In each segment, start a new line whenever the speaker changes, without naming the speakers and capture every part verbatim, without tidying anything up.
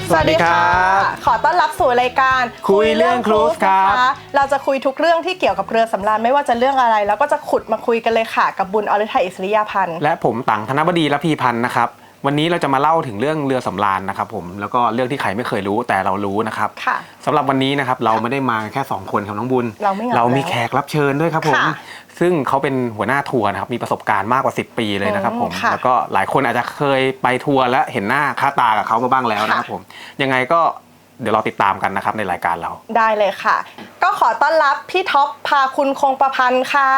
สวัสดีครับขอต้อนรับสู่รายการ
คุยเรื่องครูซครับ
เราจะคุยทุกเรื่องที่เกี่ยวกับเรือสำราญไม่ว่าจะเรื่องอะไรแล้วก็จะขุดมาคุยกันเลยค่ะกับบุญอรทัยอิสริยาพันธ์
และผมตังธนบดีระพีพันธ์นะครับวันนี้เราจะมาเล่าถึงเรื่องเรือสำราญนะครับผมแล้วก็เรื่องที่ใครไม่เคยรู้แต่เรารู้นะครับสำหรับวันนี้นะครับเราไม่ได้มาแค่สองคนครับน้องบุญ
เราไม่
เรามีแขกรับเชิญด้วยครับผมซึ่งเขาเป็นหัวหน้าทัวร์นะครับมีประสบการณ์มากกว่าสิบปีเลยนะครับผมแล้วก็หลายคนอาจจะเคยไปทัวร์และเห็นหน้าค่าตากับเขามาบ้างแล้วนะครับผมยังไงก็เดี๋ยวเราติดตามกันนะครับในรายการเรา
ได้เลยค่ะก็ขอต้อนรับพี่ท็อปพาคุณคงประพันธ์ค่ะ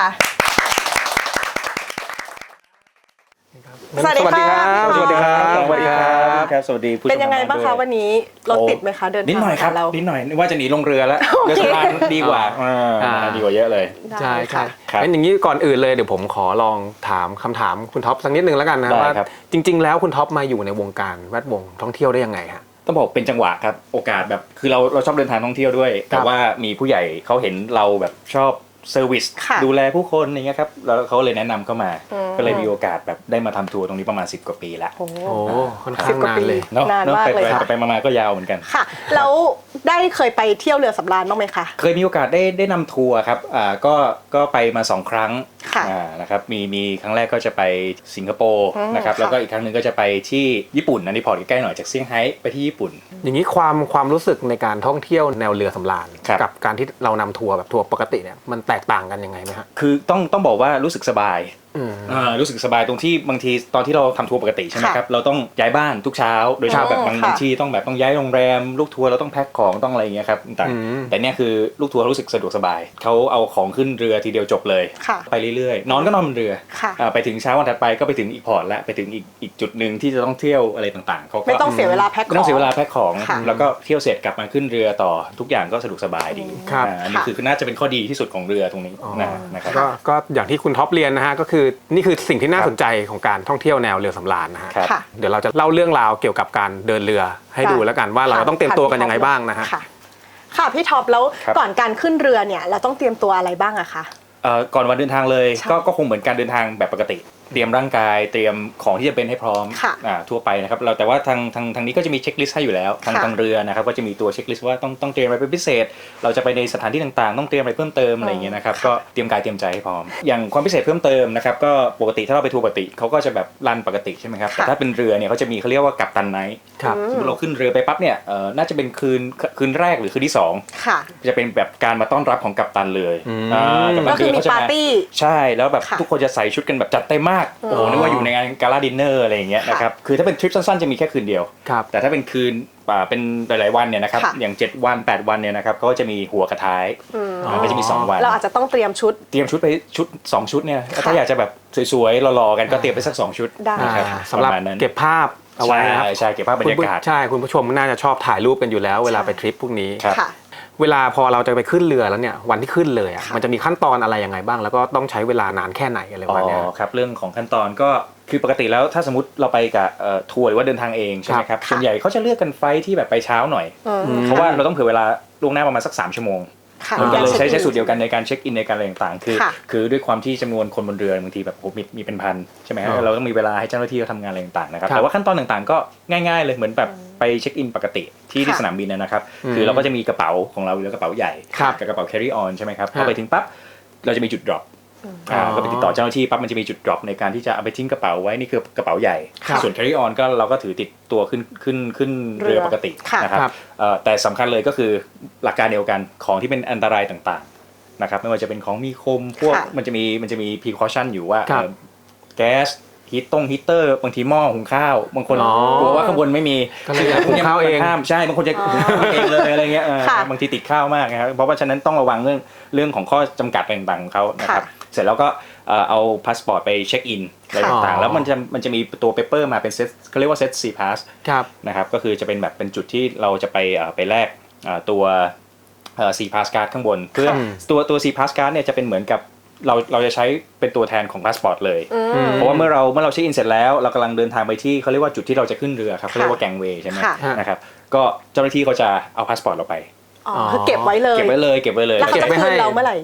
สวัสดีครับ
สวัสดีครับสวัสดีครับ
สวัสดีผู้ชม
เป็นยังไงบ้างคะวันนี้รถติดไหมคะเดินทาง
นิดหน่อยครับนิดหน่อยว่าจะหนีลงเรือแล้วเรือสำราญดีกว่าดีกว่าเยอะเลย
ใช่ใช่งั้นอย่างนี้ก่อนอื่นเลยเดี๋ยวผมขอลองถามคำถามคุณท็อปสักนิดนึงแล้วกันนะว่าจริงๆแล้วคุณท็อปมาอยู่ในวงการแวดวงท่องเที่ยวได้ยังไงฮะ
ต้องบอกเป็นจังหวะครับโอกาสแบบคือเราเราชอบเดินทางท่องเที่ยวด้วยแต่ว่ามีผู้ใหญ่เขาเห็นเราแบบชอบเซอร์วิสดูแลผู้คนอย่างเงี้ยครับแล้วเขาเลยแนะนำเข้ามาก็เลยมีโอกาสแบบได้มาทำทัวร์ตรงนี้ประมาณสิบกว่าปีแล้ว
โอ้ค่อนข้างนานเลย
นานมากเลยค่ะ
ไปมาก็ยาวเหมือนกัน
ค่ะแล้วได้เคยไปเที่ยวเรือสำราญบ้างไหมคะ
เคยมีโอกาสได้ได้นำทัวร์ครับอ่าก็ก็ไปมาสองครั้งอ่านะครับมีมีครั้งแรกก็จะไปสิงคโปร์นะครับแล้วก็อีกครั้งนึงก็จะไปที่ญี่ปุ่นอันนี้พอร์ตใกล้ๆหน่อยจากเซี่ยงไฮ้ไปที่ญี่ปุ่น
อย่างนี้ความความรู้สึกในการท่องเที่ยวแนวเรือสำราญกับการที่เรานำทัวร์แบบทัวร์ปกติเนี่ยมันแตกต่างกันยังไงไหมฮะ
คือต้องต้องบอกว่ารู้สึกสบายรู้สึกสบายตรงที่บางทีตอนที่เราทำทัวร์ปกติใช่ไหมครับเราต้องย้ายบ้านทุกเช้าโดยเฉพาะแบบบางที่ต้องแบบต้องย้ายโรงแรมลูกทัวร์เราต้องแพ็คของต้องอะไรอย่างเงี้ยครับต่างแต่เนี่ยคือลูกทัวร์รู้สึกสะดวกสบายเขาเอาของขึ้นเรือทีเดียวจบเลยไปเรื่อยๆนอนก็นอนบนเรือไปถึงเช้าวันถัดไปก็ไปถึงอีกพอร์ตและไปถึงอีกอีกจุดนึงที่จะต้องเที่ยวอะไรต่างๆเขาก็
ไม่ต้องเสียเวลาแพ็คของ
ไม่ต้องเสียเวลาแพ็คของแล้วก็เที่ยวเสร็จกลับมาขึ้นเรือต่อทุกอย่างก็สะดวกสบายดีอันนี้คือน่าจะเป็นข้อดีที่สุดของเรือตรงนี้นะครับ
ก็อย่างที่คุณท็อปเรียนนะฮะก็คือนี่คือสิ่งที่น่าสนใจของการท่องเที่ยวแนวเรือสำราญนะฮะเดี๋ยวเราจะเล่าเรื่องราวเกี่ยวกับการเดินเรือให้ดูแล้วกันว่าเราต้องเตรียมตัวกันยังไงบ้างนะฮะ
ค่ะพี่ท็อปแล้วก่อนการขึ้นเรือเนี่ยเราต้องเตรียมตัวอะไรบ้างอะคะ
ก่อนวันเดินทางเลยก็ก็คงเหมือนการเดินทางแบบปกติเตรียมร่างกายเตรียมของที่จะเป็นให้พร้อมทั่วไปนะครับเราแต่ว่าทางทางทางนี้ก็จะมีเช็คลิสต์ให้อยู่แล้วทางทางเรือนะครับก็จะมีตัวเช็คลิสต์ว่าต้องต้องเตรียมอะไรเป็นพิเศษเราจะไปในสถานที่ต่างๆต้องเตรียมอะไรเพิ่มเติมอะไรอย่างเงี้ยนะครับก็เตรียมกายเตรียมใจให้พร้อมอย่างความพิเศษเพิ่มเติมนะครับก็ปกติถ้าเราไปทัวร์ปกติเขาก็จะแบบรันปกติใช่ไหมครับแต่ถ้าเป็นเรือเนี่ยเขาจะมีเขาเรียกว่ากัปตันไนท์สมมติเราขึ้นเรือไปปั๊บเนี่ยน่าจะเป็นคืนคืนแรกหรือคืนที่สองจะเป็นแบบการมาต้อนรับของกัปตันเลย
ก็คือมีปาร์ตี้
ใช่แล้วแบบทุกคนจะใส่ชุดกันแบบจัดเต็มมากโอ้โหนึกว่าอยู่ในงานกาลาดินเนอร์อะไรอย่างเงี้ยนะครับคือถ้าเป็นทริปสั้นๆจะมีแค่คืนเดียวแต่ถ้าเป็นคืนเป็นหลายๆวันเนี่ยนะครับอย่างเจ็ดวันแปดวันเนี่ยนะครับก็จะมีหัวกระท้ายก็จะมีสองวัน
เราอาจจะต้องเตรียมชุด
เตรียมชุดไปชุดสองชุดเนี่ยถ้าอยากจะแบบสวยๆหล่อๆกันก็เตรียมไปสักสองชุด
นะครับสำหรับเก็บภาพเอาไว้ครับ
ใช่เก็บภาพบรรยากาศ
ใช่คุณผู้ชมน่าจะชอบถ่ายรูปกันอยู่แล้วเวลาไปทริปพวกนี้เวลาพอเราจะไปขึ้นเรือแล้วเนี่ยวันที่ขึ้นเลยอ่ะมันจะมีขั้นตอนอะไรยังไงบ้างแล้วก็ต้องใช้เวลานานแค่ไหนอะไรประมาณนี้
ครับเรื่องของขั้นตอนก็คือปกติแล้วถ้าสมมติเราไปกับทัวร์หรือว่าเดินทางเองใช่ไหมครับส่วนใหญ่เขาจะเลือกกันไฟที่แบบไปเช้าหน่อยเพราะว่าเราต้องเผื่อเวลาล่วงหน้าประมาณสักสามชั่วโมงมันก็เลยใช้ใช้สูตรเดียวกันในการเช็คอินในการอะไรต่างๆคือคือด้วยความที่จำนวนคนบนเรือบางทีแบบมีมีเป็นพันใช่ไหมเราต้องมีเวลาให้เจ้าหน้าที่เขาทำงานอะไรต่างๆนะครับแต่ว่าขั้นตอนต่างๆก็ง่ายๆเลยเหมือนแบบไปเช็คอินปกติที่ที่สนามบินนะครับคือเราก็จะมีกระเป๋าของเราหรือกระเป๋าใหญ่กับกระเป๋า carry on ใช่ไหมครับพอไปถึงปั๊บเราจะมีจุด dropก็ไปติดต่อเจ้าหน้าที่ปั๊บมันจะมีจุด drop ในการที่จะเอาไปทิ้งกระเป๋าไว้นี่คือกระเป๋าใหญ่ส่วน carry on ก็เราก็ถือติดตัวขึ้นขึ้นขึ้นเรือปกตินะครับแต่สำคัญเลยก็คือหลักการเดียวกันของที่เป็นอันตรายต่างๆนะครับไม่ว่าจะเป็นของมีคมพวกมันจะมีมันจะมี precaution อยู่ว่าแก๊สฮีตต้งฮีตเตอร์บางทีหม้อหุงข้าวบางคนกลัวว่าข้างบนไม่มี
หุงข้าวเอง
ใช่บางคนจะเองเลยอะไรเงี้ยบางทีติดข้าวมากนะครับเพราะว่าฉะนั้นต้องระวังเรื่องเรื่องของข้อจำกัดต่างๆของเขานะครับเสร็จแล้วก็เอาพาสปอร์ตไปเช็คอินอะไรต่างๆแล้วมันจะมันจะมีตัวเปเปอร์มาเป็นเซตเขาเรียกว่าเซต ซี พาส นะครับก็คือจะเป็นแบบเป็นจุดที่เราจะไปไปแลกตัว ซี พาส card ข้างบนเพื่อตัวตัว ซี พาส card เนี่ยจะเป็นเหมือนกับเราเราจะใช้เป็นตัวแทนของพาสปอร์ตเลยเพราะว่าเมื่อเราเมื่อเราเช็คอินเสร็จแล้วเรากำลังเดินทางไปที่เขาเรียกว่าจุดที่เราจะขึ้นเรือครับเขาเรียกว่าแกงเวย์ใช่ไหมนะครับก็เจ้าหน้าที่เขาจะเอาพาสปอร์ตเราไป
อ๋อคือเก็บไว้เลย
เก็บไว้เลยเก็บไว้เลย
แล้วเขาจะคืนเราเมื่อไหร่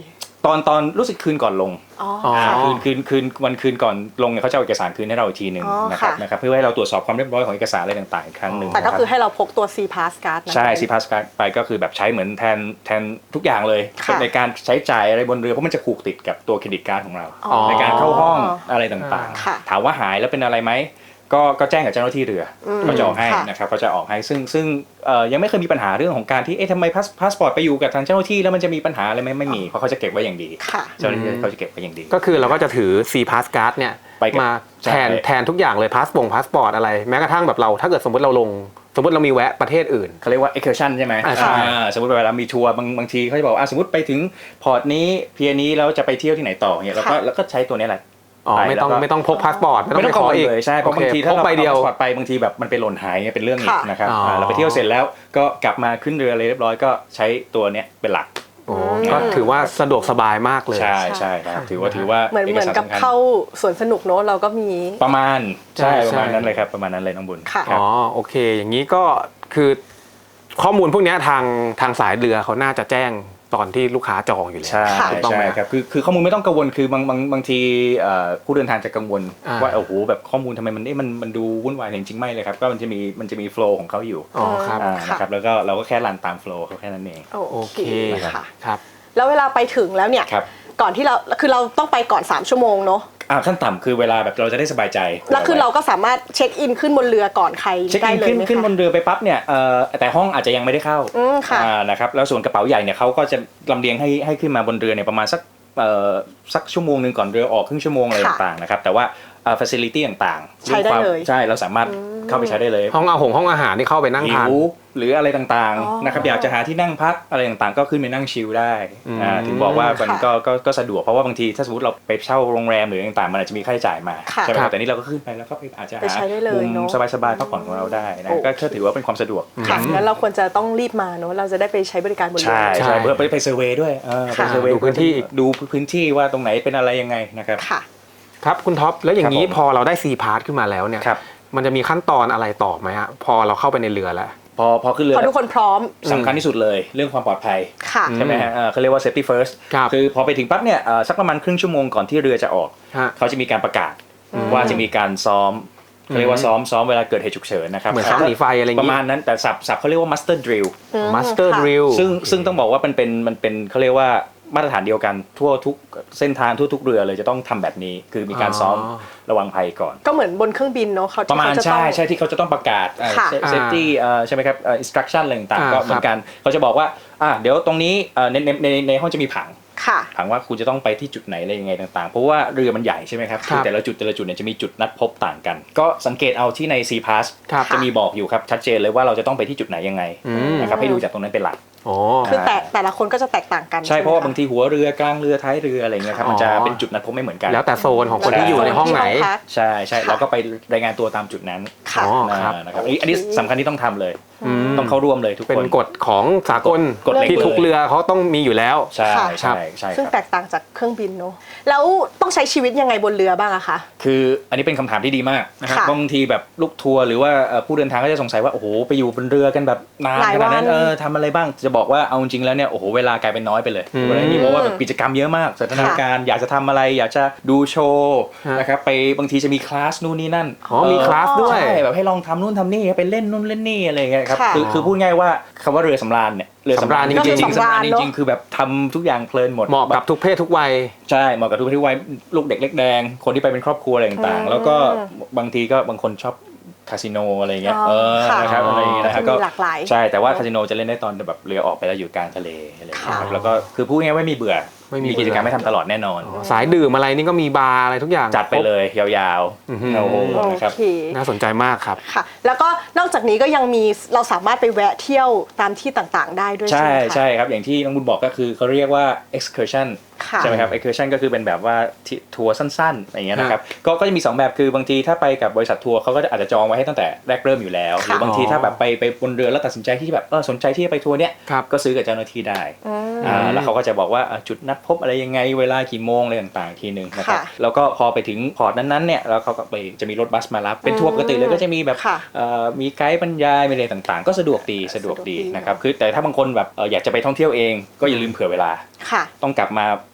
ตอนตอนรู้สึกคืนก่อนลง
อ๋อ
อ๋อ
ค่ะ
คืนคืนคืนวันคืนก่อนลงเนี่ยเขาจะเอาเอกสารคืนให้เราอีกทีหนึ่ง
อ๋อ
นะครับ
ค่ะ
นะครับเพื่อให้เราตรวจสอบความเรียบร้อยของเอกสารอะไรต่างๆอีกครั้งหนึ่ง
แต่ก็
นะรับ
คือให้เราพกตัว C Pass Card นะ
ใช่ ซี พาส Card ไปก็คือแบบใช้เหมือนแทนแทนทุกอย่างเลย
ค่ะ
ในการใช้จ่ายอะไรบนเรือเพราะมันจะผูกติดกับตัวเครดิตการ์ดของเรา
อ๋อ
ในการเข้าห้องอะไรต่าง
ค่ะ
ๆ ถามว่าหายแล้วเป็นอะไรไหมก็ก็แจ้งกับเจ้าหน้าที่เรืออ
ม
เขาจะออกให้
ค่ะ
นะครับเขาจะออกให้ซึ่งซึ่งเอ่อยังไม่เคยมีปัญหาเรื่องของการที่เอ๊ะทำไมพาสพาสปอร์ตไปอยู่กับทางเจ้าหน้าที่แล้วมันจะมีปัญหาอะไรไหมไม่มีเพราะเขาจะเก็บไว้อย่างดี
ค่ะ
เจ้าหน้าที่เขาจะเก็บไว้อย่างดี
ก็คือเราก็จะถือ C Pass Card เนี่ย
ไปกับ
มา
ใช่
แทนแทนทุกอย่างเลยพาสปงพาสปอร์ตอะไรแม้กระทั่งแบบเราถ้าเกิดสมมติเราลงสมมติเรามีแวะประเทศอื่น
เขาเรียกว่า excursion ใช่ไหม
อ่าใช่
อ่าสมมติเวลามีทัวร์บางบางทีเขาจะบอกอ่าสมมติไปถึงพอร์ตนี้เพียนี้แล้วจะไปเที่ยวที่ไหนต่อเนี่ยเราก็
ค่ะ
แล้วก็ใช้ตัวนี้แหละ
อ๋อ
ไป
ไม่ต้อง
แล้วก็
ไม่ต้องพกพาสปอร์ต
ไม่ต้อง
ไป
กังวล
อีก
เลยใช่เพราะ
โอค
บางทีถ้า
พก
เรา
ใบเดียว
อาพาสปอร์ตไปบางทีแบบมันไปหล่นหายเนี่ยเป็นเรื่องอีก
ค่ะ
นะครับ
อ๋ออ่
าเราไปเที่ยวเสร็จแล้วก็กลับมาขึ้นเรืออะไรเรียบร้อยก็ใช้ตัวเนี้ยเป็นหลัก
โอ้ก็ถือว่าสะดวกสบายมากเลย
ใช่ใช่ครับถือว่าถือว่า
เหมือนเหมือนกับ
สำคัญ
เข้าสวนสนุกเนอะเราก็มี
ประมาณใช่
ใช่
ประมาณ
ใช่
นั้นเลยครับประมาณนั้นเลยน้องบุญ
ค่ะ
ครับ
อ๋อโอเค อย่างนี้ก็คือข้อมูลพวกเนี้ยทางทางสายเรือเขาน่าจะแจ้งตอนที่ลูกค้าจองอยู่แล้ว
ใช่
ค่ะ
ถูกต้องไห
ใช่
ม
ครับคือคือข้อมูลไม่ต้องกังวลคือบางบางบางทีเอ่อผู้เดินทางจะกังวล
อ่า
ว่าโอ้โหแบบข้อมูลทำไมมันเอ๊ะมันมันดูวุ่นวายแต่จริงๆไม่เลยครับก็มันจะมีมันจะมีโฟล์ของเขาอยู่
อ๋อครับ
อ่า
ค่ะ
นะครับแล้วก็เราก็แค่รันตามโฟล์เขาแค่นั้นเอง
โอ
โอ
เค
เค
ค่ะ
ครับ
แล้วเวลาไปถึงแล้วเนี่ย
ครับ
ก่อนที่เราคือเราต้องไปก่อนสามชั่วโมงเนอะ
อ่าขั้นต่ำคือเวลาแบบเราจะได้สบายใจ
แล้วคือเราก็สามารถเช็คอินขึ้นบนเรือก่อนใคร
เช็ค
ได้
อิน
เลย
ขึ้น
ไหม
ขึ้นบ
คะ
นเรือไปปั๊บเนี่ยเอ่อแต่ห้องอาจจะยังไม่ได้เข้า
อืมค่ะ
อ่านะครับแล้วส่วนกระเป๋าใหญ่เนี่ยเขาก็จะลำเลียงให้ให้ขึ้นมาบนเรือเนี่ยประมาณสักเอ่อสักชั่วโมงหนึ่งก่อนเรือออกครึ่งชั่วโมงอะไร
ค่ะ
ต่างๆนะครับแต่ว่าเอ่อ facility ต่างๆ
ใช้ได้
รื่องความ
เลย
ใช่เราสามารถเข้าไปใช้ได้เลย
ห้องอาหงห้องอาหารที่เข้าไปนั่ง
หิ
ทาน
วหรืออะไรต่าง
อ๋อ
ๆนะครับอยากจะหาที่นั่งพักอะไรต่างๆ ก็ขึ้นไปนั่งชิลได้
อืม
อ่าถึงบอกว่ามัน
ค่ะ
ก็ก็ก็สะดวกเพราะว่าบางทีถ้าสมมติเราไปเช่าโรงแรมหรืออะไรต่างๆมันอาจจะมีค่าใช้จ่ายมา
ค่ะ
ใช่ไหมครับแต่นี่เราก็ขึ้นไปแล้วก็ไปอาจจะ
ไป
หา
ใช้ได้เลย
มุม
เนอะ
สบายๆพักผ่อนของเราได้นะ
โอเค
ก็ก็ถือว่าเป็นความสะดวก
ค่ะงั้นเราควรจะต้องรีบมาเนอะเราจะได้ไปใช้บริการบนเรือ
ใช่
ใช่
ใช่เพื่อไปไปเซอร์เวย์ด้วยเออไป
ค่ะ
เซอร์เวย์
ดูพื้นที่
ดูพื้นที่ว่าตรงไหนเป็นอะไรยังไงนะครับ
ค่ะ
ครับคุณท็อปแล้วอย่างนี้
ครับผม
พอเราได้ C Pass ขึ้นมาแล้วเนี่ย
ครับ
มันจะมีขั้นตอนอะไรต่อไหมฮะพอเราเข้าไปในเรือแล้ว
พอพอขึ้นเรือ
พอทุกคนพร้อม
สำคัญที่สุดเลยเรื่องความปลอดภัย
ค่ะ
ใช่ไหมฮะเอ่อเขาเรียกว่า safety first
ครับ
คือพอไปถึงปั๊บเนี่ยเอ่อสักประมาณครึ่งชั่วโมงก่อนที่เรือจะออก
ฮะ
เขาจะมีการประกาศว่าจะมีการซ้อมเขาเรียกว่าซ้อมซ้อมเวลาเกิดเหตุฉุกเฉินนะครับ
เหมือนซ้อมหนีไฟอะไรอย่าง
ประ
งี้
มาณนั้นแต่สับสับเขาเรียกว่า master drill
อืม
Master
ค่ะ
Drill
ซึ่งซึ่งต้องบอกว่ามันเป็นมันเป็นเขาเรียกว่ามาตรฐานเดียวกันทั่วทุกเส้นทางทั่วทุกเรือเลยจะต้องทำแบบนี้ คือมีการซ้อม
อ๋อ
ระวังภัยก่อน
ก็เหมือนบนเครื่องบินเนาะเขา
ประมาณ
ที่เขจ
ใช่
ต้อง
ใช่ที่เขาจะต้องประกาศ
ค่ะ
เซฟตี้ใช่ไหมครับเอ่อ instruction อะไรต่าง
อ่า
ๆก็เหมือนกันเขาจะบอกว่าอ่ะเดี๋ยวตรงนี้เอ่อในในในในห้องจะมีผัง
ค่ะ
ผังว่าคุณจะต้องไปที่จุดไหนอะไรยังไงต่างๆ เพราะว่าเรือมันใหญ่ใช่ไหมครับ
ครับ
อแต่ละจุดแต่ละจุดเนี่ยจะมีจุดนัดพบต่างกัน ก็สังเกตเอาที่ใน C Pass
ครับ
จะมีบอกอยู่ครับชัดเจนเลยว่าเราจะต้องไปที่จุดไหนยังไง
อืม
นะครับให้ดูจากตรงนั้นเป็นหลัก
โอ้
คือแต่แต่ละคนก็จะแตกต่างกัน
ใช่เพราะว่า
ไหมค
บางทีหัวเรือกลางเรือท้ายเรืออะไรเงี้ยครับ
อ๋อ
มันจะเป็นจุดนัดพบไม่เหมือนกัน
แล้วแต่โซนของคน
ใช่
ที่อยู่ในห้องไหน
พัก
ใช่ใช่
ค่ะ
เราก็ไปรายงานตัวตามจุดนั้น
ค่ะ
อ๋อครับ
อ่านะครับอันนี้อันนี้สำคัญที่ต้องทำเลย
อืม
ต้องเข้าร่วมเลยทุก
เป็น
คน
กฎของสากล
กฎเหล็ก
ที่ทุก
เลย
เรือเขาต้องมีอยู่แล้ว
ใช่
ค่ะ
ใช่ใช่
ซึ่ง
ครับ
แตกต่างจากเครื่องบินเนาะแล้วต้องใช้ชีวิตยังไงบนเรือบ้างอะคะ
คืออันนี้เป็นคำถามที่ดีมากนะครับ
ค่ะ
บางทีแบบลูกทัวร์หรือว่าเอ่อผู้เดินทางก็จะสงสัยว่าโอ้โหไปอยู่บนเรือกันแบบนาน
หลาย
ขนาดนั้น
วัน
เออทำอะไรบ้างจะบอกว่าเอาจริงๆแล้วเนี่ยโอ้โหเวลากลายเป็นน้อยไปเลย
อืม
เวลานี้เพราะว่าแบบกิจกรรมเยอะมากสถานการณ์อยากจะทำอะไร อยากจะดูโชว์
ฮะ
นะครับไปบางทีจะมีคลาสนู่นนี่นั่น
อ๋อมีคลาสด้วย
ใช่แบบให้ลองทำนู่นทำนี่ไปเล่นนู่นเล่นนี่อะไรอย่างเงี้ยครับ
ค่ะ
คือคือพูดง่ายว่าคำว่าเรือสำราญเนี่ยเรือสำราญจ
สำราญ
ริง
จริง
ๆ
ๆ
สำราญ
สำราญ
จ
เนอะ
ริงๆคือแบบทำทุกอย่างเพลินหมด
เหมาะกับทุกเพศทุกวัย
ใช่เหมาะกับทุกที่วัยลูกเด็กเล็กแดงคนที่ไปเป็นครอบครัวอะไรต่าง
อืม
ๆ แล้วก็บางทีก็บางคนชอบคาสิโนอะไรเงี้ย
อ๋อ
เออ
ค่ะ
นะครับอะไรอย่างเงี้ยนะฮะ
ก็จะมีหลากหลาย
ใช่แต่ว่าคาสิโนจะเล่นได้ตอนแบบเรือออกไปแล้วอยู่กลางทะเลอะไรอย่างเงี้ยครับ
ค่ะ
แล้วก็คือพูดง่ายๆว่าไม่มีเบื่อ
ไม่มี
มีกิจกรรมให้ทำตลอดแน่นอน
สายดื่มอะไรนี่ก็มีบาร์อะไรทุกอย่าง
จัดไปเลยยาว
อื้อหือ
ๆโอ้โห
โอ
นะครับ
เค
น่าสนใจมากครับ
ค่ะ แล้วก็นอกจากนี้ก็ยังมีเราสามารถไปแวะเที่ยวตามที่ต่างๆ ได้ด้วยใช่
ใช่
ไหมคะ
ใช่ครับอย่างที่น้องบุญบอกก็คือเขาเรียกว่า excursion
ค่ะ
ใช่ไหมครับ excursion ก็คือเป็นแบบว่าที่ทัวร์สั้นๆอย่างเงี้ยนะครับก็ก็จะมีสองแบบคือบางทีถ้าไปกับบริษัททัวร์เขาก็อาจจะจองไว้ให้ตั้งแต่แรกเริ่มอยู่แล้วห
ค่ะ
รือบางทีถ้าแบบไปไปบนเรือแล้วตัดสินใจที่แบบเออสนใจที่จะไปทัวร์เนี้ย
ครับ
ก็ซื้อกับเจ้าหน้าที่ได้
อืม
อ่าแล้วเขาก็จะบอกว่าอ่ะจุดนัดพบอะไรยังไงเวลากี่โมงอะไรต่างๆทีหนึ่งนะครับ
ค่ะ
แล้วก็พอไปถึงพอร์ตนั้นๆเนี่ยแล้วเขาก็ไปจะมีรถบัสมารับเป็นทัวร์ปกติเลยก็จะมีแบบ
ค่ะ
เอ่อมีไกด์บรรยายมีอะไรต่างๆ ก็สะดวกดีสะดวกดีนะครับคือแต่ถ้าบางคนแบบเอ่ออยากจะไปท่องเที่ยวเองก็อย่าลืมเผื่อเวลา
ค่ะ
ต้องกลับมา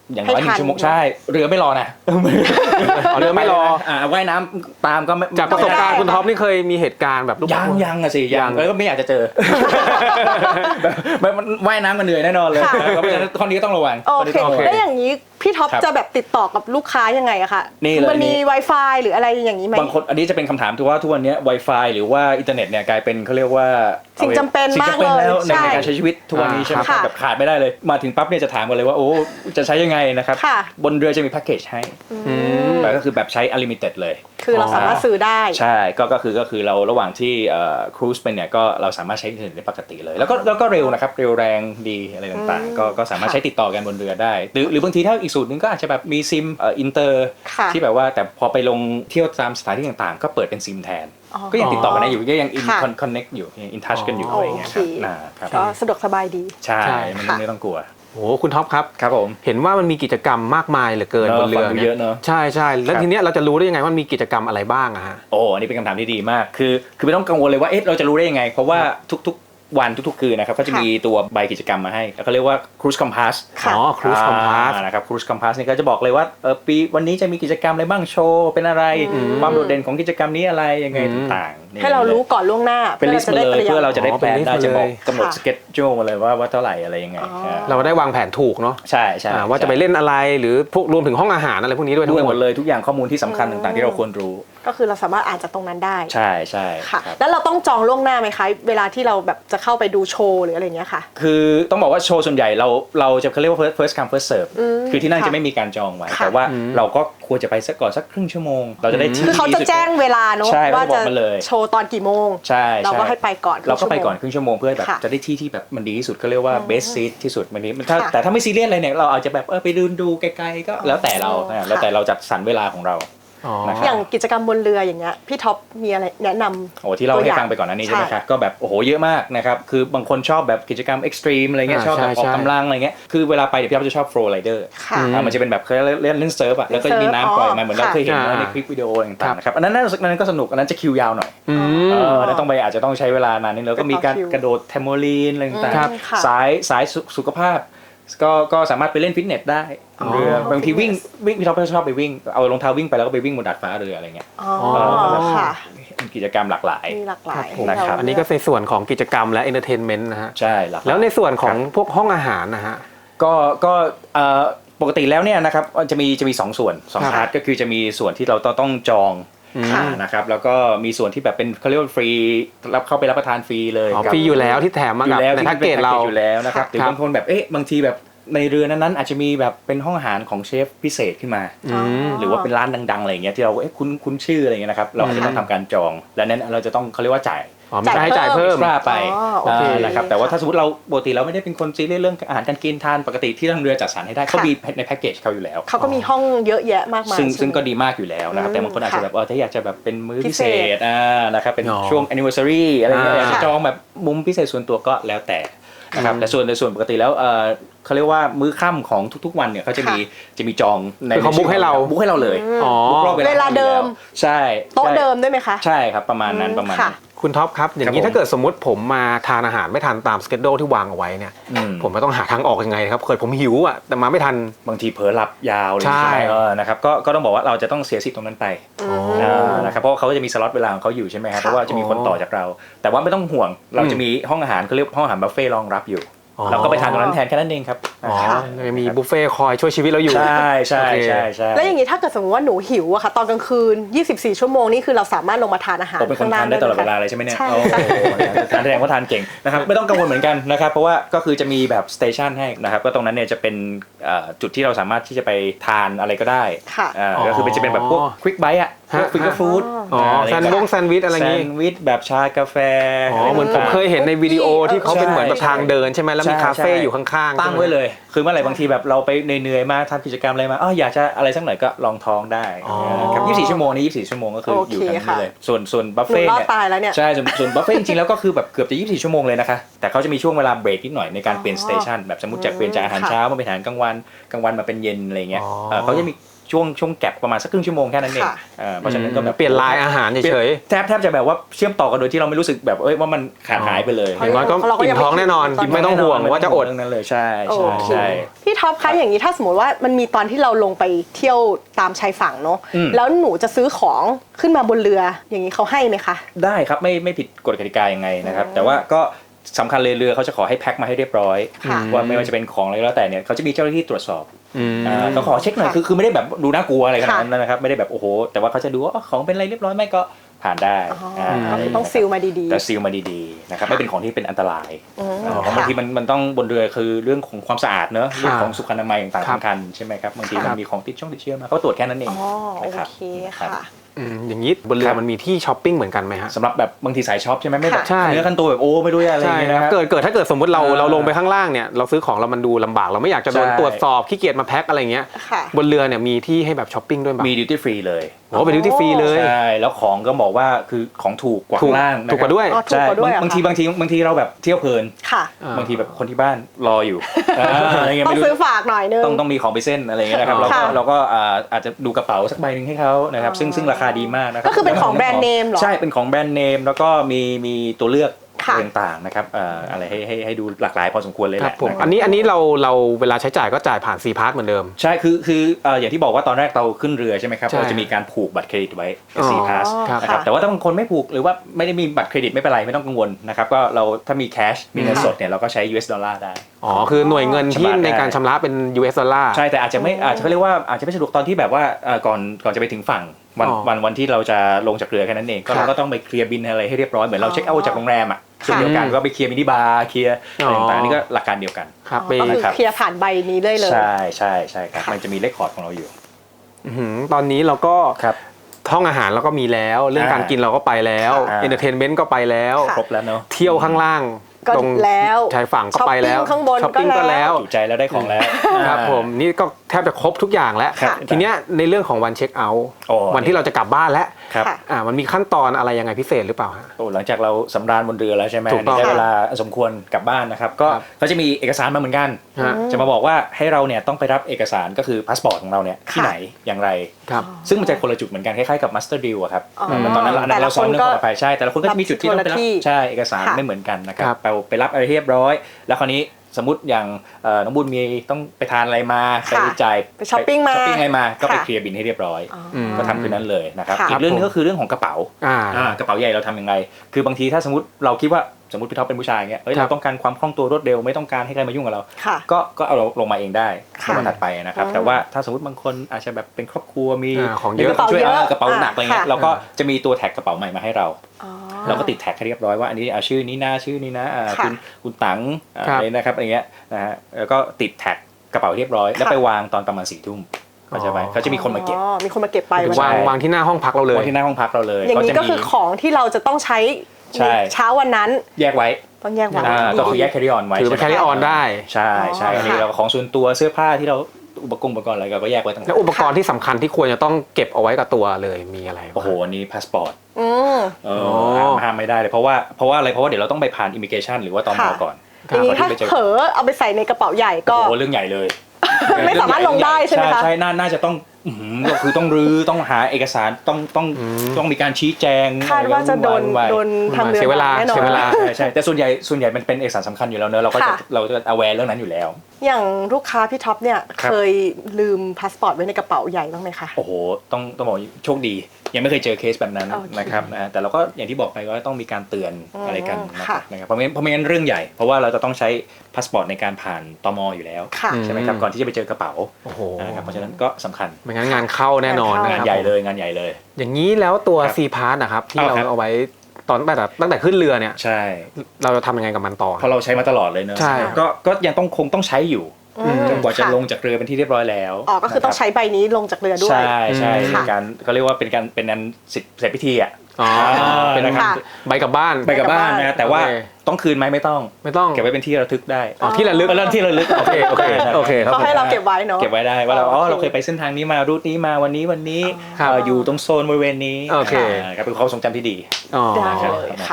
อย่างน้อยห
ให้
นึ่
ทัน
งชั่วโมงใช่เรือไม่รอนะ
อ๋อเรือไม่รอ
อ่าว่ายน้ำตามก็ไม่
จากประสบการณ์คุณท็อปนี่เคยมีเหตุการณ์แบบลูก
ยังยังอะสิ
ยั
ยัง งแล้วก็ไม่อยากจะเจอ แบบแบบมันว่ายน้ำกันเหนื่อยแน่นอนเลย
ค่ะ
เพราะฉะนั้นข้อนี้ก็ต้องระวัง
โอ
ข้นี้
เค
ต้องระวัง
แล้วอย่างนี้พี่ท็อป
ครับ
จะแบบติดต่อกับลูกค้ายังไงอะคะ
นี่เลย
มันมี
นี่
Wi-Fi หรืออะไรอย่างนี้ไหม
บางคนอันนี้จะเป็นคำถามที่ว่าทุกวันนี้ Wi-Fi หรือว่าอินเทอร์เน็ตเนี่ยกลายเป็นเขาเรียกว่า
สิ่งจำเป็น
สิ่ง
มาก
จำเป็นแล้ว
เลย
ใน
ใช่
ในการใช้ชีวิตทุกวันนี้ใช่ไหมครับ
ค่ะ
แบบขาดไม่ได้เลย มาถึงปั๊บเนี่ยจะถามกันเลยว่าโอ้จะใช้ยังไงนะครับ
ค่ะ
บนเรือจะมีแพ็กเกจให้
อืม
แบบก็คือแบบใช้ unlimited เลย
คือเราสามารถซื้อได้
ใช่ก็ก็คือก็คือเราระหว่างที่ครูซเป็นเนี่ยก็เราสามารถใช้อินเทอร์เน็ตได้ปกติเลย แล้วก็แล้วก็เร็วนะครับเร็วแรงดีอะไรต่าง
อืม
ๆก็ก็สามารถ
ค่ะ
ใช้ติดต่อกันบนเรือได้ หรือหรือบางทีถ้าอีกสูตรหนึงก็อาจจะแบบมีซิมเอ่ออินเตอร์
ค่ะ
ที่แบบว่าแต่พอไปลงเที่ยวตามสถานที่ต่างๆ ก็เปิดเป็นซิมแทน
อ๋อ
ก็ยังติดต่อกันได้อยู่ก็ยังอิน
ค่ะ
คอนเน็กอยู่อินทัชกันอยู่
โอ
อะไรอย่างเงี้ย
เค
ครับนะครับ
ก็สะดวกสบายดี
ใช่
ใช่
ไม่
ค่ะ
ไม่ต้องกลัว
โอ้โหคุณท็อปครับ
ครับผม
เห็นว่ามันมีกิจกรรมมากมายเหลือเกิน
เนอะ
บนเรือ
ฟังดูเยอะเนอะ
ใช่ใช่แล้ว
ครับ
ทีเนี้ยเราจะรู้ได้ยังไงว่ามันมีกิจกรรมอะไรบ้างอะฮะ
โอ้อันนี้เป็นคำถามที่ดีมาก คือ คือไม่ต้องกังวลเลยว่าเอ๊ะเราจะรู้ได้ยังไง เพราะว่าทุกๆวันทุกๆคืนนะครับก็จะมีตัวใบกิจกรรมมาให้ แล้วก็เรียกว่า Cruise Compass
ค่ะ
อ๋อ Cruise Compass
อ่านะครับ Cruise Compass นี่ก็จะบอกเลยว่าเออปีวันนี้จะมีกิจกรรมอะไรบ้างโชว์เป็นอะไร ความโดดเด่นของกิจกรรมนี้อะไรยังไง
อืม
ต่างๆนี่
ให้เรารู้ก่อนล่วงหน้า
เป็นลิสต์มาเลยเพื่อเราจะได้
อ๋อ
แพลน
เป็นลิสต์
ได้
มา
จะบอก
เลย
กำหนด
ค่ะ
สเก็ตจูมาเลยว่าว่าเท่าไหร่อะไรยังไง
อ๋อ
อ่า
เราได้วางแผนถูกเนาะ
ใช่ใช่
อ่าว่าจะไปเล่นอะไรหรือพวกรวมถึงห้องอาหารอะไรพวกนี้ด้วยทั้
ด้วย
งห
ห
ม
ม
ด
ดเลยทุกอย่างข้อมูลที่สำคัญต่างๆที่เราควรรู้
ก็คือเราสามารถอ่านจากตรงนั้นได้
ใช่ใช่
ค่ะ
ครับ
แล้วเราต้องจองล่วงหน้าไหมคะ เวลาที่เราแบบจะเข้าไปดูโชว์หรืออะไรอย่างเงี้ยค่ะ
คือต้องบอกว่าโชว์ส่วนใหญ่เราเราจะเขาเรียกว่า first first come first serve
อืม
คือที่นั่น
ค่ะ
จะไม่มีการจองไว้
ค่ะ
แต่ว่า
อืม
เราก็ควรจะไปสักก่อนสักครึ่งชั่วโมง เราจะได้ที่
คือเขาจะ
ดีที่สุด
แจ้งเวลาเนอะ
ใช่
ว่า
เขาจะบ
จะ
อกมาเลย
โชว์ตอนกี่โมง
ใช่
เราก็
ช่
ให้ไปก่อน
เราก็ไป
ครึ่งชั่วโมง
ก่อนครึ่งชั่วโมงเพื่อแบบ
ค่ะ
จะได้ที่ที่แบบมันดีที่สุดเขาเรียกว่า best seat ที่สุดมันนี้มันถ้า
ค่ะ
แต่ถ้าไม่ซีเรียสอะไรเนี่ยเราอาจจะแบบเออไปดูดูไกลๆก็แล้วแต่เรา
อ๋อ
นะแล้วแต่เราจัดสรรเวลาของเรา
อ๋อ
นะครับ
อย่างกิจกรรมบนเรืออย่างเงี้ยพี่ท็อปมีอะไรแนะนำ
โอ้ที่เรา
ตัวอ
ให้
ย่าง
ฟังไปก่อนหน้านี้ใช่ไหม
ใช่
ครับก็แบบโอ้โหเยอะมากนะครับคือบางคนชอบแบบกิจกรรมเอ็กซ์ตรีมอะไรเงี้ย
อ่า
ชอบแบบ
ใช่
ออก
ใช่
กำลังอะไรเงี้ยคือเวลาไปเดี๋ยวพี่อ๊อฟจะชอบโฟล์ไรเดอร์
ค่ะ
อืม
อ่ามันจะเป็นแบบเคยเล่นเล่นเซิร์ฟอ่ะแล้วก็จะมีน้ำปล่อยมาเหมือนเราเคยเห็น
ค่ะ
ในคลิปวิดีโอต่างๆนะครับอันนั้นน่าอันนั้นก็สนุกอันนั้นจะคิวยาวหน่อย
อื
เอ
ม
อแล้วต้องไปอาจจะต้องใช้เวลานานนิดแล้วก็มีการ
ไปต่อคิว
กระโดดเทมโมลีนอะไรต่าง
ครับ
ค่ะ
ๆสายสายสุสุขภาพก็ก็สามารถไปเล่นฟิตเนสได้
อ๋อ
เรือบางทีวิ่งวิ่งพี่ท็อปก็ชอบไปวิ่งเอารองเท้าวิ่งไปแล้วก็ไปวิ่งบนดาดฟ้าเรืออะไรเงี้ย
อ๋อ
อ๋อ
ค่ะ
กิจกรรมหลากหลาย
มีหลากหลาย
ผม
ให้เรา
อันนี้ก็ในส่วนของกิจกรรมและเอนเตอร์เทนเมนต์นะฮะ
ใช่หลากหลาย
แล้วในส่วนของพวกห้องอาหารนะฮะ
ก็ก็เอ่อปกติแล้วเนี่ยนะครับจะมีจะมีสองส่วนสอง
ครับ
พาร์ทก็คือจะมีส่วนที่เราต้องต้องจอง
อืม
ค่ะ
นะครับแล้วก็มีส่วนที่แบบเป็นเขาเรียกว่าฟรีรับเข้าไปรับประทานฟรีเลย
อ๋อ
กับ
ฟรีอยู่แล้วที่แถมมา
อยู่
กับ
แล้ว
ใน
ที่
แพ็กเกจ
ป็น
เรา
อยู่แล้วนะครับหรือ
ครับ
บางคนแบบเอ๊ะบางทีแบบในเรือนั้นๆอาจจะมีแบบเป็นห้องอาหารของเชฟพิเศษขึ้นมา
อืม
หรือว่าเป็นร้านดังๆอะไรอย่างเงี้ยที่เราเอ๊ะคุ้นคุ้นชื่ออะไรเงี้ยนะครับเราอาจจะต้องทำการจองและนั้นเราจะต้องเขาเรียกว่าจ่าย
อ๋อมีค่าใช้จ่ายเพิ่ม
กล้าไป
อ๋อโอเค
อ่านะครับแต่ว่าถ้าสมมติเราปกติเราไม่ได้เป็นคนซีเรียสเรื่องอาหารการกินทานปกติที่ทางเรือจัดสรรให้ได้เขา
ค่ะ
มีในแพ็กเกจเขาอยู่แล้ว
เขาก็มีห้องเยอะแยะมากมาย
ซึ่ง
ใช่ไหม
ซึ่งก็ดีมากอยู่แล้วนะครับ
อืม
แต่บางคนอาจจะแบบเออถ้าอยากจะแบบเป็นมื้อ
พิ
พิ
เศ
เศ
ษ
ษอ่านะครับเป็น
อ๋อ
ช่วง anniversary อะไรเงี้ย
อ่า
อยากจะจองแบบมุมพิเศษส่วนตัวก็แล้วแต่นะครับแต่ส่วนในส่วนปกติแล้วเออเขาเรียกว่ามื้อค่ำของทุกๆวันเนี่ยเขาจะมีจะมีจองใน
คือเขาบุ๊กให้เรา
บุ๊กให้เราเลย
อ๋อ
บุ๊กรอบ
เวลาเดิม
ใช่
โต๊ะ
ใช่
เดิมด้วยไหมคะ
ใช่ครับประมาณนั้นประมาณ
ค่ะ
นั้น
คุณท็อปครับ อย่างนี้
ครับผม
ถ้าเกิดสมมติผมมาทานอาหารไม่ทันตามสเกจโดที่วางเอาไว้เนี่ย
อืม
ผมไม่ต้องหาทางออกยังไงครับเคยผมหิวอ่ะแต่มาไม่ทัน
บางทีเผลอหลับยาวเลย
ใช่
ใช่ไหมเออนะครับก็ก็ต้องบอกว่าเราจะต้องเสียสิทธิ์ตรงนั้นไป
อืม
อ่านะครับเพราะว่าเขาก็จะมีสล็อตเวลาของเขาอยู่ใช่ไหมครับ
ค่ะ
เพราะว่าจะมีคนต่อจากเรา แต่ว่าไม่ต้องห่วงเราจะมีห้องอาหารเขาเรียกห้องอาหารบุฟเฟ่ต์รองรับอยู่
อ๋อ
เราก็ไปทานตรงนั้นแทนแค่นั้นเองครับ
อ๋อ
ค่ะ
ยังมีบุฟเฟ่ต์คอยช่วยชีวิตเราอยู่
ใช่ใช่
โอเค
ใช่ใช่
แล้วอย่างนี้ถ้าเกิดสมมติว่าหนูหิวอะค่ะตอนกลางคืนยี่สิบสี่ชั่วโมงนี่คือเราสามารถลงมาทานอาหาร
ผมเป็นคนทานได้ตลอดเวลาเลยใช่ไหมเนี่ย
ใช่
โอ้โหทานแสดงว่าทานเก่งนะครับไม่ต้องกังวลเหมือนกันนะครับเพราะว่าก็คือจะมีแบบสเตชันให้นะครับก็ตรงนั้นเนี่ยจะเป็นเอ่อจุดที่เราสามารถที่จะไปทานอะไรก็ได้
ค่ะ
อ่าก็คือเป็นจะเป็นแบบพวกควิกไบต์อะพวก
ฮะ
ฟิงเกอร์ฟู้ด
อ๋อแซนด์วงแซนด์วิชอะไรอย่าง
แซ
งี้
นด์วิชแบบชากาแฟ
อ๋อเหมือนผมเคยเห็นในวิดีโอที่เขาเป็นเหมือนแบบ
ใช่
ทางเดินใช่ไหมแล้วมี
ใช่
คาเฟ่
ใช่
อยู่ข้างๆ
ตั้ง
ใช่หม
ไว้เลย คือเมื่อไหร่บางทีแบบเราไปเหนื่อยๆมาทำกิจกรรมอะไรมาอ๋ออยากจะอะไรสักหน่อยก็ลองท้องได้
อ๋อ
ครับยี่สิบสี่ชั่วโมงนี้ยี่สิบสี่ชั่วโมงก็คือ
โอ
อ
เค
ยู่กัน
ค่ะ
นี่เลยส่วนส่วนบัฟ
หนู
เฟ่
รอด
เนี่ย
ตายแล้วเนี่ย
ใช่ส่วนส่วนบัฟเฟ่จริงๆแล้วก็คือแบบเกือบจะยี่สิบสี่ชั่วโมงเลยนะคะแต่เขาจะมีช่วงเวลาเบรกนิดหน่อยในการเปลี่ยนสเตชันแบบสมมติจากเปลี่ยนจากอาหาร
ค่ะ
เช้ามาเป็นอาหารกลางวันกลางวันมาเป็นเย็นอะไรเงี้ย
อ๋อ
เอ่อเขาจะมีช่วงช่วงแก็บประมาณสักครึ่งชั่วโมงแค่นั้นเอง
ค่ะ
เออเพราะฉะนั้นก็แบบ
เปลี่ยนลายอาหารเฉย
แทบแทบจะแบบว่าเชื่อมต่อกันโดยที่เราไม่รู้สึกแบบเอ้ยว่ามันขาดหายไปเลย
ๆอย่างน้อยก็
เราก็
อิ่
ยัง
มท้องแน่นอน
ไม่กิน
ไม่ต้องห่วงว่าจะอด
เรื่องนั้นเลยใช่
โอ
ใช่
เค
ใช่
พี่ท็อปคะอย่างนี้ถ้าสมมติว่ามันมีตอนที่เราลงไปเที่ยวตามชายฝั่งเนาะ
อืม
แล้วหนูจะซื้อของขึ้นมาบนเรืออย่างนี้เขาให้ไหมคะ
ได้ครับไม่ไม่ผิดกฎกติกายังไงนะครับแต่ว่าก็สำคัญเลยเรือเขาจะขอให้แพ็คมาให้เรียบร้อย
ค่ะ
ว่าไม่ว่าจะเป็นของอะไรก็แล้วแต่เนี่ยเขาจะมีเจ้าหน้าที่ตรวจสอบ
อืม
อ่าเขาขอเช็คหน่อย
ค่ะ
คือคือไม่ได้แบบดูน่ากลัวอะไรขนาด
ค่ะ
นั้นนะครับไม่ได้แบบโอ้โหแต่ว่าเขาจะดูว่าอ๋อของเป็นอะไรเรียบร้อยไหมก็ผ่านได้
อ๋ออ่
า
ก็คือต้องซีลมาดีๆ
แต่ซีลมาดีๆนะครับไม่เป็นของที่เป็นอันตราย
อืม
อ่าเพราะบางทีมันมันต้องบนเรือคือเรื่องของความสะอาดเนอะเรื่องของสุขอนามัยต่างๆ
ครับ
สำคัญใช่ไหมครับบางที
ครั
มั
บ
นมีของติดช่องติดเชื้อมาเขาตรวจแค่นั้นเอง
อ๋อโอ
นะครับ
เคค่ะ
อืมอย่างนี้บนเรื
ค
อ
รับ
มันมีที่ช้อปปิ้งเหมือนกันไหมฮะ
สำหรับแบบบางทีสายช็อปใช่ไหมไม่แบบ
ใช่
เนื้อขั้นตัวแบบโอ้ไม่รู้อะไรอย่า
ใช่
งเงี้ย
ครับ
นะครับ
เกิดเกิดถ้าเกิดสมมติเรา
เออ
เราลงไปข้างล่างเนี่ยเราซื้อของเรามันดูลำบากเราไม่อยากจะโดน
ใช่
ตรวจสอบขี้เกียจมาแพ็คอะไรเงี้ย
ค่ะ
บนเรือเนี่ยมีที่ให้แบบช้อปปิ้งด้วยแบบ
มีดิวตี้ฟรีเลย
โอ้เป็นดิวตี้ฟรีเลย
ใช่แล้วของก็บอกว่าคือของถูกกว่า
ถูก
ข้างล่างนะครับ
ถูกกว่าด้วย
อ๋อถูก
ใช่
กว่าด้วยเหรอบ
างที
คะ
บางทีบางทีเราแบบเที่ยวเพลิน
ค่ะ
อ่า
บางทีแบบคนที่บ้านรออยู่อ่าอะไรเงี้ย
ต้อง
ไม่รู้
ซื้อฝากหน่อยนึง
ต้องต้องมีของไปเส้นอะไรเงี้ยนะครับ
อ๋อ
เราก็
ค่ะ
เราก็อ่าอาจจะดูกระเป๋าสักใบหนึ่งให้เขานะครับซึ่งซึ่งราคาดีมากนะครับ
ก็คือเป็นของแบรนด์เนมเหรอ
ใช่เป็นของแบรนด์เนมแล้วก็มีมีตัวเลือก
ค่ะ
ต่างๆนะครับเอ่ออะไรให้ให้ให้ดูหลากหลายพอสมควรเลย
ค
แห
รับ
ละ
ผม
ะครับ
อันนี้อันนี้เราเราเวลาใช้จ่ายก็จ่ายผ่านซีพาร์ทเหมือนเดิม
ใช่คือคือเอ่ออย่างที่บอกว่าตอนแรกเราขึ้นเรือใช่ไหมครับ
ใช่
เราจะมีการผูกบัตรเครดิตไว้
อ๋อ
ซีพาส
ครับ
นะครับแต่ว่าถ้าบางคนไม่ผูกหรือว่าไม่ได้มีบัตรเครดิตไม่เป็นไรไม่ต้องกังวลนะครับก็เราถ้ามีแคชมีเงินสดเนี่ยเราก็ใช้ ยู เอส ดอลลาร์ได้
อ๋อคือหน่วยเงินที่
ชำระได้
ในการชำระเป็น ยู เอส ดอลลาร์
ใช่แต่อาจจะไม่อาจจะเขาเรียกว่าอาจจะไม่สะดวกตอนที่แบบว่าเอ่อก่อนก่อนจะไปถึงฝั่งวัน
อ๋อ
วันวันที่เราจะลงจากเรือแค่นั้นเองก็
ครับ
เราก็ต้องไปเคลียร์บินอะไรให้เรียบร้อยเหมือนเราเช็คเอาท์จากโรงแรมอ่ะเช่นเดียวกันก็ไปเคลียร์มินิบาร์เคลียร์อะไรต่างๆนี่ก็หลักการเดียวกัน
ครับไป
ก็คือ
ครับ
เคลียร์ผ่านใบนี้เลยเลย
ใช่ใช่ใช่ครับ
ค่ะ
มันจะมีเลคคอร์ดของเราอยู่
อื้อหือตอนนี้เราก็
ครับ
ห้องอาหารเราก็มีแล้ว เรื่อง
อ่า
การกินเราก็ไปแล้ว
อ่า
เอนเตอร์เทนเมนต์ก็ไปแล้ว
ค่ะ
ครบแล้วเนาะ
เที่ยวข้างล่าง
ก็
ตรง
แล้ว
ชายฝั่งก็ไปแล้ว
ช้อปปิ้งข้างบน
ช้อปปิ้ง
ก็
ก็
แล้
แล้ว ว
ถูกใจแล้วได้ของแล้ว
ครับผมนี่ก็แทบจะครบทุกอย่างแล้ว
ครับ
ทีเนี้ยในเรื่องของวันเช็คเอาท์
โอ้
วันที่เราจะกลับบ้านแล้ว
ครับ
ค่ะ
อ่ามันมีขั้นตอนอะไรยังไงพิเศษหรือเปล่าฮะ
โอ้หลังจากเราสำราญบนเรือแล้วใช่ไหม
ถูกต้อง
ได้เวลาสมควรกลับบ้านนะครับก็
ครับ
เขาจะมีเอกสารมาเหมือนกัน
ฮะ
จะมาบอกว่าให้เราเนี่ยต้องไปรับเอกสารก็คือพาสปอร์ตของเราเนี่ยที่
ค่ะ
ไหนอย่างไร
ครับ
ซึ่งมันจะคนละจุดเหมือนกันคล้ายๆกับมาสเตอร์ดิลอะครับ
อ๋อ
มันตอนนั้นเราอันนั้นเราซ้อมเรื่องความปลอดภัยใช่แต่ละคนก็จะมีจุดที่ต้องไป
รับ
รับ
ที่
ใช่เอกสาร
ค่ะ
ไม่เหมือนกันนะครับ
ครับ
ไปไปรับอะไรเรียบร้อย แล้วคราวนี้สมมติอย่างเอ่อน้องบุญมีต้องไปทานอะไรมาไป
ค่ะ
จ่าย
ไปช้อปปิ้งมา
ช้อปปิ้งอะไรมาก็ไป
ค่ะ
เคลียร์บินให้เรียบร้อย
อ๋อ
ม
ก็ทำคืนนั้นเลยนะครับ
ค่ะ
อีกเรื่องหนึง
ครับผม
ก็คือเรื่องของกระเป๋า
อ่า
อ่ากระเป๋าใหญ่เราทำยังไง คือบางทีถ้าสมมติเราคิดว่าสมมติพี่ท็อปเป็นผู้ชายเงี้ยเอ้ย
ครับ
เราต้องการความคล่องตัวรวดเร็วไม่ต้องการให้ใครมายุ่งกับเรา
ค่ะ
ก็ก็เอาเราลงมาเองได้
ค่ะ
ในวันถัดไปนะครับ
อ๋อ
แต่ว่าถ้าสมมติบางคนอาจจะแบบเป็นครอบครัวมี
อ่าของเยอะ
มีคนช่วย
กระเป๋าเยอะ
เออกระเป๋าหนักอะไรเงี้ย
ค่ะ
เราก็จะมีตัวแท็กกระเป๋าใหม่มาให้เรา
อ๋อ
เราก็ติดแท็กให้เรียบร้อยว่าอันนี้เอาชื่อนี้นะชื่อนี้นะอ่า
ค่ะ
คุณคุณตังอ่า
ครับ
อะไรนะครับอะไรเงี้ยนะฮะแล้วก็ติดแท็กกระเป๋าเรียบร้อย แล้ว
ค่ะ
ไปวางตอนประมาณสี่ทุ่มเข้าใจไหมเขาจะมีคนมาเก็บ
อ๋อมีคนมาเก็บไป
ถึ
วัน
ใช่
วาง
นั้น
วางที่หน้าห้องพักเราเลย
ไว้ที่หน้าห้องพักเราเลย
อย่างนี้
เขจะ
ก็คือของที่เราจะต้องใช้
ใช่
เช้าวันนั้น
แยกไว้
ต้องแยกไว้
อ่าก็คือแยก carry on ไว้
ถือไป
ใช่ไหม
carry on ได้
ใช่ใช่
อ๋ออั
อันนี้
ค่ะ
เราของส่วนตัวเสื้อผ้าที่เราอุปกรณ์อุปกรณ์อะไรเราก็แยกไว้ต่าง
แล้วอุปกรณ์ที่สำคัญที่ควรจะต้องเก็บเอาไว้กับตัวเลยมีอะไรบ้าง
โอ้โหอันนี้พาสปอร์ต
อืม
เอ
โอ้
อห้ามห้ามไม่ได้เลยเพราะว่าเพราะว่าอะไรเพราะว่าเดี๋ยวเราต้องไปผ่านอิมิเกชันหรือว่าตม
ค่ะ
ก่อน
อย่างนี้ถ้า
ก่อนที่ไปเจอ
เผลอเอาไปใส่ในกระเป๋าใหญ่ก็
โอ้โหเรื่องใหญ่เลย
ไม่สามารถลงได้ใช่ไหมคะ
ใช่น่าน่าจะต้องอื้อหือก็คือต้องรื้อต้องหาเอกสารต้องต้อง
อืม
ต้องมีการชี้แจง
คาดว่าจะโดน
วุ่วาย
โดนทางเรือ
เสียเวลา
แน่นอน
เสียเวลา
ใช่ใช่แต่ส่วนใหญ่ส่วนใหญ่มันเป็นเอกสารสำคัญอยู่แล้วเนอะเราก็จะ
ค่ะ
เราจะ aware เรื่องนั้นอยู่แล้ว
อย่างลูกค้าพี่ท็อปเนี่ย
ครับ
เคยลืมพาสปอร์ตไว้ในกระเป๋าใหญ่บ้างไหมคะ
โอ้โหต้องต้องบอกโชคดี ยังไม่เคยเจอเคสแบบนั้น
โอเค
นะครับนะแต่เราก็อย่างที่บอกไปว่าต้องมีการเตือน
อืม
อะไรกันนะครั
ค่ะ
บนะครับเพราะไม่งั้นเพราะไม่งั้นเรื่องใหญ่เพราะว่าเราจะต้องใช้พาสปอร์ตในการผ่านตมอยู่แล้ว
ค่ะ
ใช่ไหมครับก่อนที่จะไปเจอกระเป๋า
โอ้โห
นะครับเพราะฉะนั้นก็สำคัญ
ไม่งั้นงานเข้าแน่นอน
งานเข้
งาน
นะครับ
ใหญ่เลยงานใหญ่เลย
อย่างนี้แล้วตัว
ครับ
ซีพาร์ทนะครับที่
เอา
เรา
ครับ
เอาไว้ตอนตั้งแต่ตั้งแต่ขึ้นเรือเนี่ย
ใช่
เราจะทำยังไงกับมันต่อ
เพราะเราใช้มาตลอดเลยเนอะ
ใช่
ก็ก็ยังต้องคงต้องใช้อยู่
อืม
จนกว่าจะ
ค่
ลงจากเรือเป็นที่เรียบร้อยแล้ว
อ๋อก็คือต้องใช้ใบนี้ลงจากเรือด้วย
ใช่ใช่
อืม
ในการเขาเรียกว่าเป็นการเป็นอันเสร็จเสร็จพิธีอ่ะ
อ๋อเป็น
นะครับ
ค่ะ
ใบกลับบ้าน
ไปกับบ้านนะแต่ว่า
โอเค
ต้องคืนไหมไม่ต้อง
ไม่ต้อง
เก็บไว้เป็นที่ระลึกได้
อ๋อที่ระลึก
เออที่ระลึก
โอเคโอเคโอเคครับ
ก็ให้เราเก็บไว้เนาะ
เก็บไว้ได้ว่าเรา
อ๋
อ๋
อ
อ
โอเค
เราเคยไปเส้นทางนี้มารูทนี้มาวันนี้วันนี้
ครับ
เอ่ออยู่ตรงโซนบริเวณนี้
โอเค
าครับเป็นความทรงจำที่ดี
อ๋อ
ได้
ครับ
เลย
นะ
ค่ะ
ครับ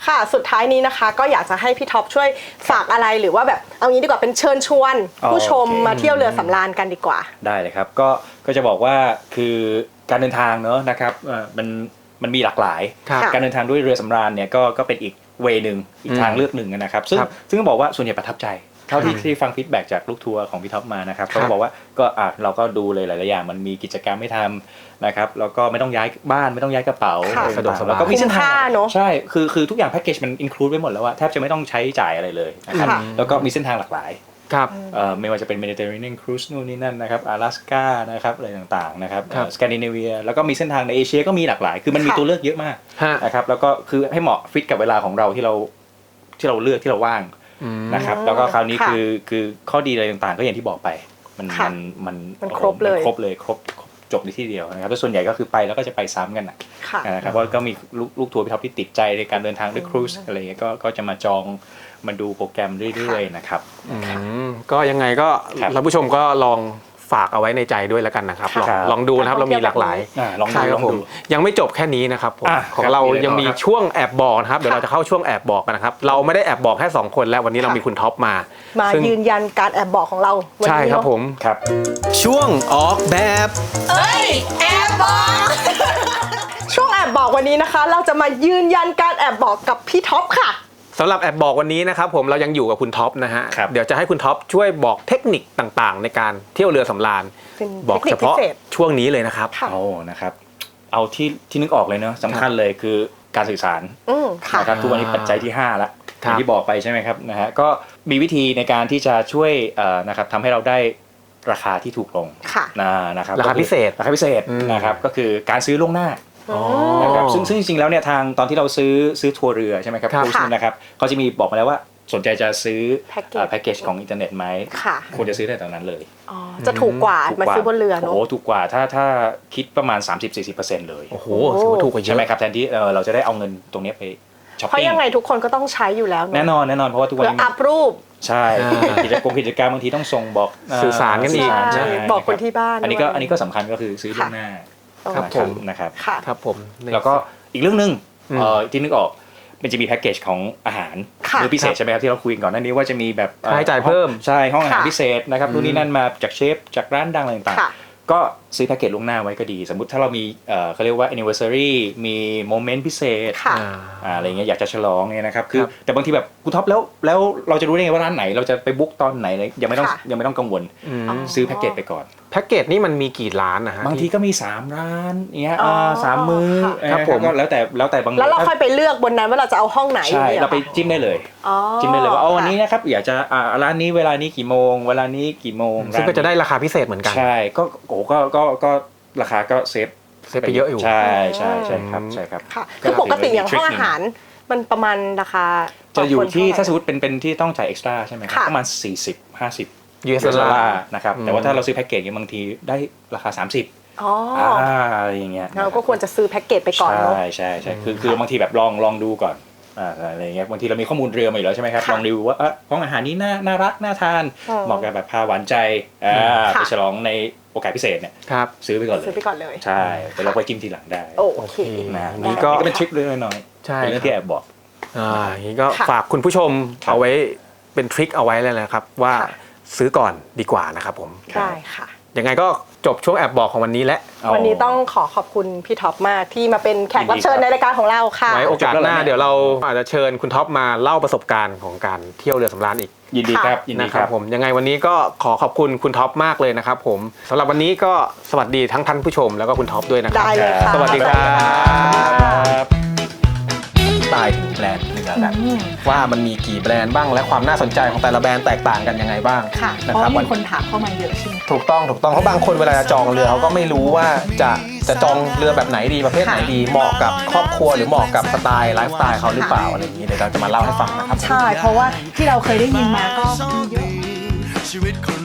ค่ะสุดท้ายนี้นะคะก็อยากจะให้พี่ท็อปช่วยฝากอะไรหรือว่าแบบเอางี้ดีกว่าเป็นเชิญชวนผู้ชมมาเที่ยวเรือสำราญกันดีกว่า
ได้เลยครับก็ก็จะบอกว่าคือการเดินทางเนอะนะครับเอ่อมันมันมีหลากหลายการเดินทางด้วยเรือสำราญเนี่ยก็ก็เป็นอีกเวย์หนึ่งอีกทางเลือกหนึ่งนะครับซึ่งซึ่งต้องบอกว่าส่วนใหญ่ประทับใจเท่าที่ที่ฟังฟีดแบ็กจากลูกทัวร์ของพี่ท็อปมานะครับเขาบอกว่าก็อ่ะเราก็ดูเลยหลายๆอย่างมันมีกิจกรรมให้ทำนะครับแล้วก็ไม่ต้องย้ายบ้านไม่ต้องย้ายกระเป๋าสะดวกสบายแล้วก็มีเส้นทางใช่คือคือทุกอย่างแพ็กเกจมันอินคลูดไว้หมดแล้วว่าแทบจะไม่ต้องใช้จ่ายอะไรเลยนะครับแล้วก็มีเส้นทางหลากหลาย
ครับ
ไม่ว่าจะเป็น Mediterranean Cruise นู่นนี่นั่นนะครับ阿拉斯ก้านะครับอะไรต่างๆนะครับสแกนดิเนเวียแล้วก็มีเส้นทางในเอเชียก็มีหลากหลายคือมันมีตัวเลือกเยอะมากนะครับแล้วก็คือให้เหมาะฟิตกับเวลาของเราที่เราที่เราเลือกที่เราว่างนะครับแล้วก็คราวนี้คือคือข้อดีอะไรต่างๆก็อย่างที่บอกไปมันมันมัน
มันครบเลย
ครบเลยครบจบในที่เดียวนะครับแล้วส่วนใหญ่ก็คือไปแล้วก็จะไปซ้ำกันนะครับเพราะก็มีลูกทัวร์พี่ท็อปที่ติดใจในการเดินทางด้วยครูซอะไรเงี้ยก็ก็จะมาจองมาดูโปรแกรมเรื่อยๆนะครับ
ก็ยังไงก็ท่านผู้ชมก็ลองฝากเอาไว้ในใจด้วยแล้วกันนะครับลองลองดูนะครับเรามีหลากหลายใช่ครับผมยังไม่จบแค่นี้นะครับผมของเรายังมีช่วงแอบบอกนะครับเดี๋ยวเราจะเข้าช่วงแอบบอกกันนะครับเราไม่ได้แอบบอกแค่สองคนแล้ววันนี้เรามีคุณท็อปมา
มายืนยันการแอบบอกของเรา
ใช่ครับผม
ครับ
ช่วงออกแบบ
เอ้ยแอบบอกช่วงแอบบอกวันนี้นะคะเราจะมายืนยันการแอบบอกกับพี่ท็อปค่ะ
สำหรับแอบบอกวันนี้นะครับผมเรายังอยู่กับคุณท็อปนะฮะเดี๋ยวจะให้คุณท็อปช่วยบอกเทคนิคต่างๆในการเที่ยวเรือสำราญบอกเฉพาะช่วงนี้เลยนะครับ
เอานะครับเอาที่ที่นึกออกเลยเนาะสำคัญเลยคือการสื่อสารนะครับทุกวันนี้ปัจจัยที่ห้าละอย่างที่บอกไปใช่ไหมครับนะฮะก็มีวิธีในการที่จะช่วยนะครับทำให้เราได้ราคาที่ถูกลงนะครับ
ราคาพิเศษ
ราคาพิเศษนะครับก็คือการซื้อล่วงหน้านะครับซึ่งซึ่งจริงๆแล้วเนี่ยทางตอนที่เราซื้อซื้อทัวร์เรือใช่ไหมครับครูซนะครับเขาจะมีบอกมาแล้วว่าสนใจจะซื้อแพ็กเกจของอินเทอร์เน็ตไหมควรจะซื้อได้ตอนนั้นเลย
จะถูกกว่ามาซื้อบนเรือเนอะ
โอ้ถูกกว่าถ้าถ้าคิดประมาณ สามสิบถึงสี่สิบเปอร์เซ็นต์ เลย
โอ้โหถือว่าถูกกว่าเยอะ
ใช่ไหมครับแทนที่เราจะได้เอาเงินตรงนี้ไปช้อปปิ้ง
เพราะยังไงทุกคนก็ต้องใช้อยู่แล้ว
แน่นอนแน่นอนเพราะว่าทุกวันนี้
อัพรูป
ใช่กิจกรรมกิจกรรมบางทีต้องส่งบอก
สื่อสารกันอีก
บอกคนที่บ้าน
อันนี้ก็อันนี้ก็สำคัญก็คือซื้อล่วงหน้า
ครับผม
นะครับ
ครับผม
แล้วก็อีกเรื่องนึงที่นึกออกมันจะมีแพ็กเกจของอาหารมื้อพิเศษใช่ไหมครับที่เราคุยก่อนหน้านี้ว่าจะมีแบบ
ค่าใช้จ่ายเพิ่ม
ใช่ห้องอาหารพิเศษนะครับนู่นนี่นั่นมาจากเชฟจากร้านดังอะไรต่างๆก็ซื้อแพ็กเกจล่วงหน้าไว้ก็ดีสมมุติถ้าเรามีเขาเรียกว่า anniversary มีโมเมนต์พิเศษอะไรเงี้ยอยากจะฉลองเนี่ยนะครับคือแต่บางทีแบบคุณท็อปแล้วแล้วเราจะรู้ได้ไงว่าร้านไหนเราจะไปบุ๊กตอนไหนยังไม่ต้องยังไม่ต้องกังวลซื้อแพ็กเกจไปก่อน
แพ็กเกจนี่มันมีกี่ร้านนะฮะ
บางทีก็มีสามร้านเงี้ยสามมื้อครับผมก็แล้วแต่แล้วแต่บาง
แล้วเราค่อยไปเลือกบนนั้นว่าเราจะเอาห้องไหน
ใช่เราไปจิ้มได้เลยจิ้มได้เลยว่าอ๋อวันนี้นะครับอยากจะอ่าร้านนี้เวลานี้กี่โมงเวลานี้กี่โมง
ซึ่งก็จะได้ราคาพิเศษเหมือนกัน
ใช่ก็โอ้ก็ก็ก็ราคาก็เซฟ
เซฟไปเยอะอยู่
ใช่ใช่ใช่ครับใช่ครับ
ค่ะคือปกติอย่างห้องอาหารมันประมาณราคา
จะอยู่ที่ถ้าสมมติเป็นเป็นที่ต้องจ่ายเอ็กซ์ตร้าใช่ไหมครับประมาณสี่สิบ ห้าสิบ
ยู เอส ดอลลาร์
นะครับแต่ว่าถ้าเราซื้อแพ็กเกจเนี่ยบางทีได้ราคาสามสิบ
อ๋อ
อะไรอย่างเงี้ย
เราก็ควรจะซื้อแพ็กเกจไปก่อนเนาะ
ใช่ใช่ใช่คือคือบางทีแบบลองลองดูก่อนอ่าอะไรเงี้ยบางทีเรามีข้อมูลเรือมาอยู่แล้วใช่ไหมครับลองดูว่าเออห้องอาหารนี้น่าน่ารักน่าทานเหมาะกับแบบพาหวานใจอ่าไปฉลองในโอกาสพิเศษเนี่ยซื้อไปก่อนเลย
ซื้อไปก่อนเลย
ใช่แต่เราไปจิ้มทีหลังได้
โอเค
นะนี่ก็เป็นทริคเล็กน้อย
ใช่
เป็นเรื่องที่แอบบอก
อ่าอย่างนี้ก็ฝากคุณผู้ชมเอาไว้เป็นทริคเอาไว้เลยนะครับว่าซื้อก่อนดีกว่านะครับผม
ได้ค่ะ
ยังไงก็จบช่วงแอบบอกของวันนี้แล้ว
วันนี้ต้องขอขอบคุณพี่ท็อปมากที่มาเป็นแขกรับเชิญในรายการของเราค่ะ
ไว้โอกาสหน้าเดี๋ยวเราอาจจะเชิญคุณท็อปมาเล่าประสบการณ์ของการเที่ยวเรือสำราญอีก
ยินดีครับยินดีครับ
ผมยังไงวันนี้ก็ขอขอบคุณคุณท็อปมากเลยนะครับผมสำหรับวันนี้ก็สวัสดีทั้งท่านผู้ชมแล้วก็คุณท็อปด้วยนะครับ
ได้เลยค่ะ
สวัสดีครับ
ตายถึงแบรนด์เรือกัน
ว่ามันมีกี่แบรนด์บ้างและความน่าสนใจของแต่ละแบรนด์แตกต่างกันยังไงบ้าง
นะครับมีคนถามเข้ามาเยอะใช่ไหม
ถูกต้องถูกต้องเพราะบางคนเวลาจะจองเรือเขาก็ไม่รู้ว่าจะจะจองเรือแบบไหนดีประเภทไหนดีเหมาะกับครอบครัวหรือเหมาะกับสไตล์ไลฟ์สไตล์เขาหรือเปล่าอะไรอย่างนี้เดี๋ยวเราจะมาเล่าให้ฟังนะครับ
ใช่เพราะว่าที่เราเคยได้ยินมาก็เยอะ